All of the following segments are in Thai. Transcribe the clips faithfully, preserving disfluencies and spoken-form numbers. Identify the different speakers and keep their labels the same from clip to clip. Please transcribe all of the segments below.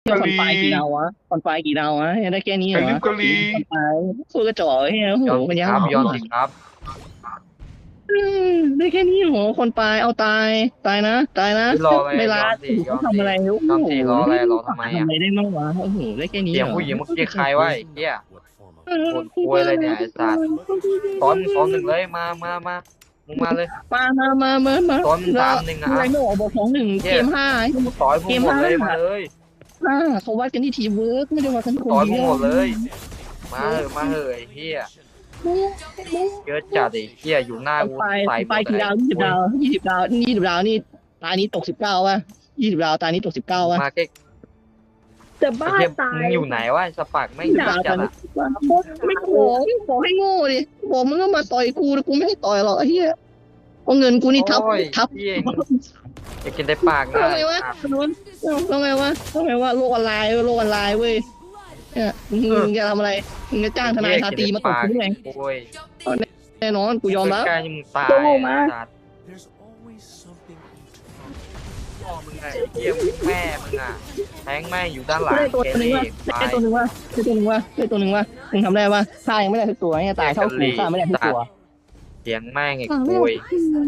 Speaker 1: เที่ยวค
Speaker 2: กะหรี่
Speaker 1: อนไฟกี่ดาววะคอนไฟกี่ดาววะได้แค่นี้เหร
Speaker 2: ไข่
Speaker 1: อวะ
Speaker 2: ลิฟกะหรี่
Speaker 1: คอนไฟสู้กระจอกเฮ้ยโอ้โห
Speaker 3: ยอมสิ
Speaker 1: มันยังหรอ
Speaker 3: ครับยอมสิครับ
Speaker 1: อืมได้แค่นี้เหรอคอนไฟเอาตายตายนะตายนะ
Speaker 3: รออะไร
Speaker 1: ไม่ลา
Speaker 3: ยอมสิยอมสิ
Speaker 1: ทำอะไรโอ้
Speaker 3: ยอม
Speaker 1: โห
Speaker 3: สิรออะไรรอทำไม
Speaker 1: ทำ
Speaker 3: อ่ะ
Speaker 1: อะไรได้บ้างวะโอ้โหได้แค่นี้
Speaker 3: เสียง
Speaker 1: เหรอ
Speaker 3: ผู้หญิงเมื่อกี้ใครวะไอ้เหี้ยโคตรควยเลยเนี่ยไอ้สัตว์ซ้อนซ้อนหนึ่งเลยมามามามึงมาเลย
Speaker 1: มามามามามา
Speaker 3: ซ้อนสามหนึ่งอ่ะ
Speaker 1: ไรโน่บอกสองหนึ่งเกมห้า
Speaker 3: ต่อยพวกหมดเลยมาเลย
Speaker 1: ห้าเขาวัดกันที่ทีมเวิร์กไม่ได้วัดกันคน
Speaker 3: ต่อยพ
Speaker 1: เดี
Speaker 3: วก
Speaker 1: ยว
Speaker 3: หมดเลย มาเถอะมาเถอะไอ้เหี้ยเยอะจัดไอ้เหี้ยอยู่หน้ากู
Speaker 1: ไป
Speaker 3: ใส่
Speaker 1: ไปกี่ดาวยี่สิบดาวยี่สิบดาวยี่สิบดาวนี่ตานี้ตกสิบเก้าวะยี่สิบดาวตานี้ตกสิบเก้าวะ
Speaker 3: มาเก๊ก
Speaker 4: จะ
Speaker 3: ไอ้
Speaker 4: บ้า
Speaker 3: เหี้ย
Speaker 4: ตาย
Speaker 3: มึงอยู่ไหนวะสปักไม่
Speaker 1: ดาว
Speaker 3: จั
Speaker 1: ตา
Speaker 3: ด
Speaker 1: นี้
Speaker 3: อ่ะ
Speaker 1: ไม่บอกบอกให้โง่ดิบอกมึงก็มาต่อยกูแต่กูไม่ให้ต่อยหรอกไอ้เหี้ยเอาเงินกูนี่ทับ
Speaker 3: โอ้ย
Speaker 1: ทับ
Speaker 3: เหี้ยอยากกินได้ปากนะ
Speaker 1: ทำไมวะทำไมวะทำไมวะโลกออนไลน์โลกออนไลน์เว้ยเนี่ยมึงจะทำอะไรมึงจะจ้างทนายชาตรีมาตบกูไง
Speaker 3: โอ้ย
Speaker 1: แน่นอนกูยอมแล้ว
Speaker 3: ใกล้ๆมึงตาย
Speaker 4: โตมา
Speaker 3: สัตว์พ่อมึงไงเหี้ยมึงแม่มึงอ่ะแทงแม่งอยู่ด้านหลัง
Speaker 1: ได้ตัว
Speaker 3: เก
Speaker 1: หนึ่ง
Speaker 3: ลี่
Speaker 1: วะ
Speaker 3: ตา
Speaker 1: ได้
Speaker 3: ย
Speaker 1: ตัวหนึ่งวะได้ตัวหนึ่งวะได้ตัวหนึ่งวะมึงทำได้ปะฆ่ายังไม่ได้ทุกตัวเนี่ยตายเท่ากูฆ่าไม่ได้ทุกตัว
Speaker 3: เสียงแม่งไอ้กุย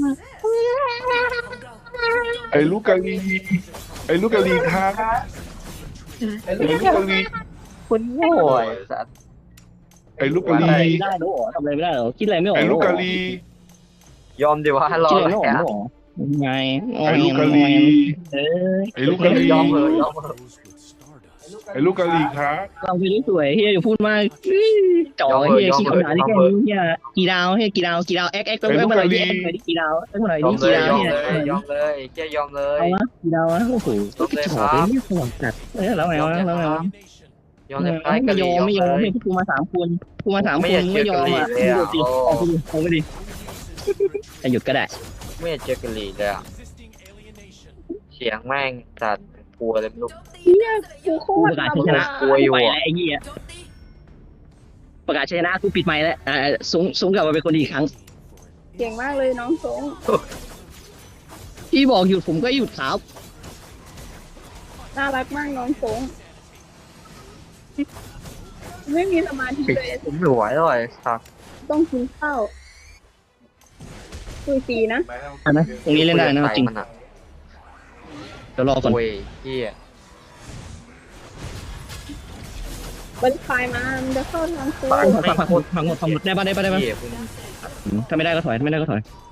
Speaker 2: ไอ้ลูกกะหรี่ไอ้ลูกกะหรี่ครับไอ้ลูกกะหรี่
Speaker 3: คุณโง่ไอ้สัตว์
Speaker 2: ไอ้ลูกกะห
Speaker 1: ทำอะไร
Speaker 2: รี่
Speaker 1: ไม่ได้หรอทำอะไรไม่ได้หรอคิดอะไรไม่ออก
Speaker 2: ไอ้
Speaker 1: หร
Speaker 2: ลูกกะ
Speaker 1: อ
Speaker 2: หรี่
Speaker 3: ยอมดีวะรอ
Speaker 1: คิด
Speaker 3: อะ
Speaker 1: อะไร
Speaker 3: ไร
Speaker 1: ไม่ออก
Speaker 3: อ่ะ
Speaker 1: หรอไง
Speaker 2: ไอ้ลูกกะหรี่
Speaker 1: เออ
Speaker 2: ไอ้ลูกกะหรี่
Speaker 3: ยอมเหอะยอมเหอะ
Speaker 2: ไอ้ลูกกะหรี่ครับ
Speaker 1: เราไปได้สวยเฮียอย่าพูดมากจ่อเฮียขี้ขนาดนี้แค่นี้เฮียกี่ดาวเฮียกี่ดาวกี่ดาวแอ๊กแอ๊กต้องเมื่อไหร่ดิแอ๊กหน่อยดิกี่ดาวแอ๊กหน่อย
Speaker 3: ยอ
Speaker 1: ดิ
Speaker 3: มเล
Speaker 1: กี่
Speaker 3: ย
Speaker 1: ดาวย
Speaker 3: อม
Speaker 1: เฮีย
Speaker 3: เลยยอมเลยเจ๊ยอมเลย
Speaker 1: เอาวะกี่ดาววะโอ้โหกระจอกเลยเนี่ยสว่างจัดเออแล้วไงวะแล้วไงวะ
Speaker 3: ยอมเลย
Speaker 1: ไม่
Speaker 3: กะห
Speaker 1: ย
Speaker 3: รี่
Speaker 1: อม
Speaker 3: ยอม
Speaker 1: ไม่ยอม
Speaker 3: เลย
Speaker 1: ให้กูมาสามคนกูมาสามคนไม่ยอมอ่ะดูสิออกไปดิออกไปดิหยุดก็ได้
Speaker 3: ไม่อยากเจอกะหรี่เลยอ่ะเสียงแม่งจัดกลัวเลยไม่รู้
Speaker 4: กูโค
Speaker 1: กู
Speaker 4: ต
Speaker 1: ป
Speaker 4: ร
Speaker 1: ระกาศ
Speaker 4: ทำ
Speaker 1: ชนะ
Speaker 3: กลัวอยู่
Speaker 1: ไป
Speaker 3: อะ
Speaker 1: แล้วไอ้เหี้ยประกาศชนะกูปิดไมค์แล้วอ่าสูงสูงกลับมาเป็นคนดีอีกครั้ง
Speaker 4: เก่งมากเลยน้องสง
Speaker 1: พี่บอกหยุดผมก็หยุดครับ
Speaker 4: น่ารักมากน้องสงไม่มีสมาธิเลย
Speaker 3: ผมไม่ไหวเลยครับ
Speaker 4: ต้องกินข้าวคุยฟรีนะ
Speaker 1: อ่ะนะตรงนี้เล่นได้นะจริง
Speaker 3: มันอ่ะ
Speaker 1: เดี๋ยวรอก่อน
Speaker 3: โอ้ยเฮีย
Speaker 4: บันคายมามันจะเข้าทางโค้ง
Speaker 1: พังพังพังหมดพังหมดพังหมดได้ปะได้ปะได้ปะ
Speaker 3: เฮียคุณ
Speaker 1: ถ้าไม่ได้ก็ถอยถ้าไม่ได้ก็ถอย
Speaker 3: โ